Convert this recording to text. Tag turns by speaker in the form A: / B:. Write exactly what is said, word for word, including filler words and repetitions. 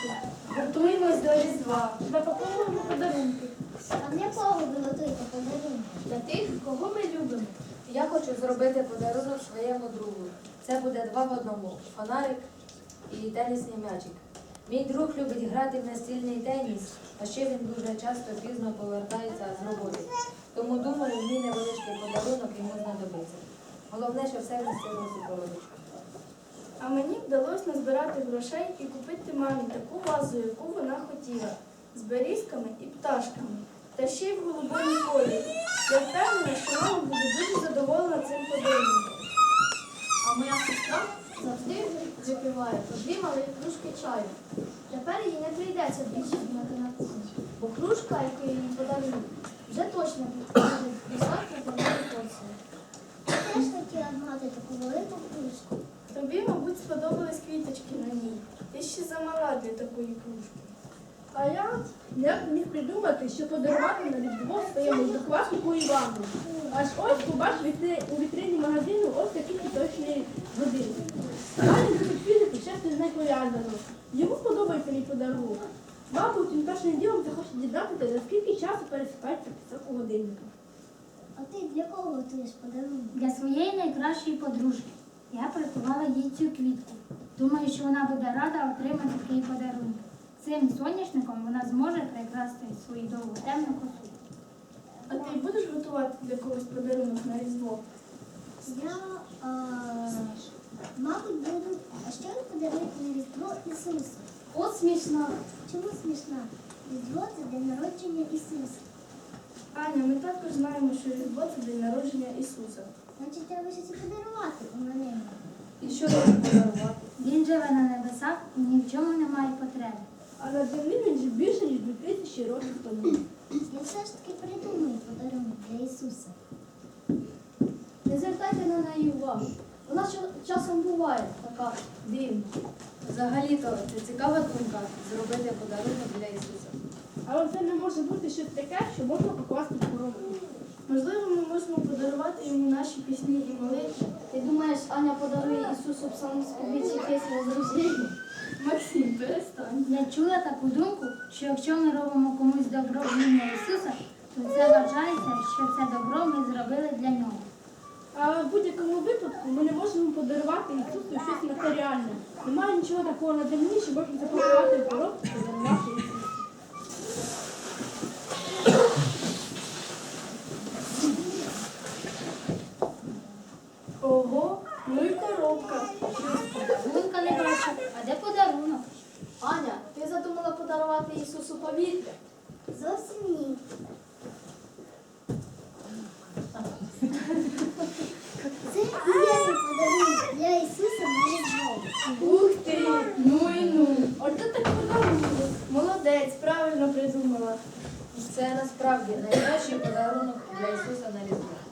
A: Готуємось до Різдва. Запаковуємо подарунки.
B: А для кого ви готуєте подарунки?
A: Для тих, кого ми любимо.
C: Я хочу зробити подарунок своєму другу. Це буде два в одному – фонарик і тенісний м'ячик. Мій друг любить грати в настільний теніс, а ще він дуже часто пізно повертається з роботи. Тому думаю, мій невеличкий подарунок йому знадобиться. Головне, що все в цьому супроводочку.
A: А мені вдалося назбирати грошей і купити мамі таку вазу, яку вона хотіла, з берізками і пташками, та ще й в голубому кольорі. Я впевнена, що мама буде дуже задоволена цим подарунком.
D: А моя сестра завжди випиває по дві малих кружки чаю. Тепер їй не прийдеться більше думати на кухні, бо кружка, яку їй подарують, вже точно буде достатньо для моєї порції.
B: Я теж хотіла мати таку велику кружку.
A: Тобі, мабуть, сподобались квіточки на ній. Ти ще замала для такої кружки.
E: А я як міг придумати, що подарувати на Різдво своєму однокласнику Івану. Аж ось побачив вітри- у вітрині магазину ось такий квіточний годинник. Далі любить фізику, щось з нею пов'язано. Йому подобається мій подарунок. Мабуть, він першим ділом захоче дізнатися, за скільки часу пересипається пісок у годинника.
B: А ти для кого готуєш подарунок?
F: Для своєї найкращої подружки. Я приготувала їй цю квітку. Думаю, що вона буде рада отримати такий подарунок. Цим соняшником вона зможе прикрасити свою довгу темну косу.
A: А ти будеш готувати для когось подарунок на Різдво?
B: Я, а, мабуть, буду. А що ви подаруєте на Різдво Ісусу?
D: От смішно.
B: Чому смішна? Різдво – це день народження Ісуса.
A: Аня, ми також знаємо, що Різдво – це день народження Ісуса.
B: Значить, треба щось і подарувати у мене.
C: І що тобі подарувати?
F: Він живе на небесах і ні в чому не має потреби.
E: А на землі він жив більше, ніж дві тисячі років тому.
B: Я все ж таки придумаю подарунок для Ісуса.
D: Не звертайте на неї увагу. Вона ча- часом буває така дивна.
C: Взагалі-то це цікава думка – зробити подарунок для Ісуса.
E: Але це не може бути щось таке, що можна покласти в коробку.
A: Можливо, ми можемо подарувати йому наші пісні і молитви.
D: Ти думаєш, Аня подарує Ісусу псалмоспівець якесь розрушення?
A: Максим, перестань.
F: Я чула таку думку, що якщо ми робимо комусь добро в ім'я Ісуса, то це вважається, що це добро ми зробили для нього.
E: Але в будь-якому випадку ми не можемо подарувати Ісусу щось матеріальне. Немає нічого такого на землі, що можна запакувати в коробку і подарувати Ісусу.
A: Ого, ну і коробка.
F: Подарунка не бачу, а де подарунок?
D: Аня, ти задумала подарувати Ісусу повітря?
B: Зовсім ні. Це і є мій подарунок для Ісуса на Різдво.
A: Ух ти, ну і ну. Ото так подарунок. Молодець, правильно придумала.
C: Це насправді найкращий подарунок для Ісуса на Різдво.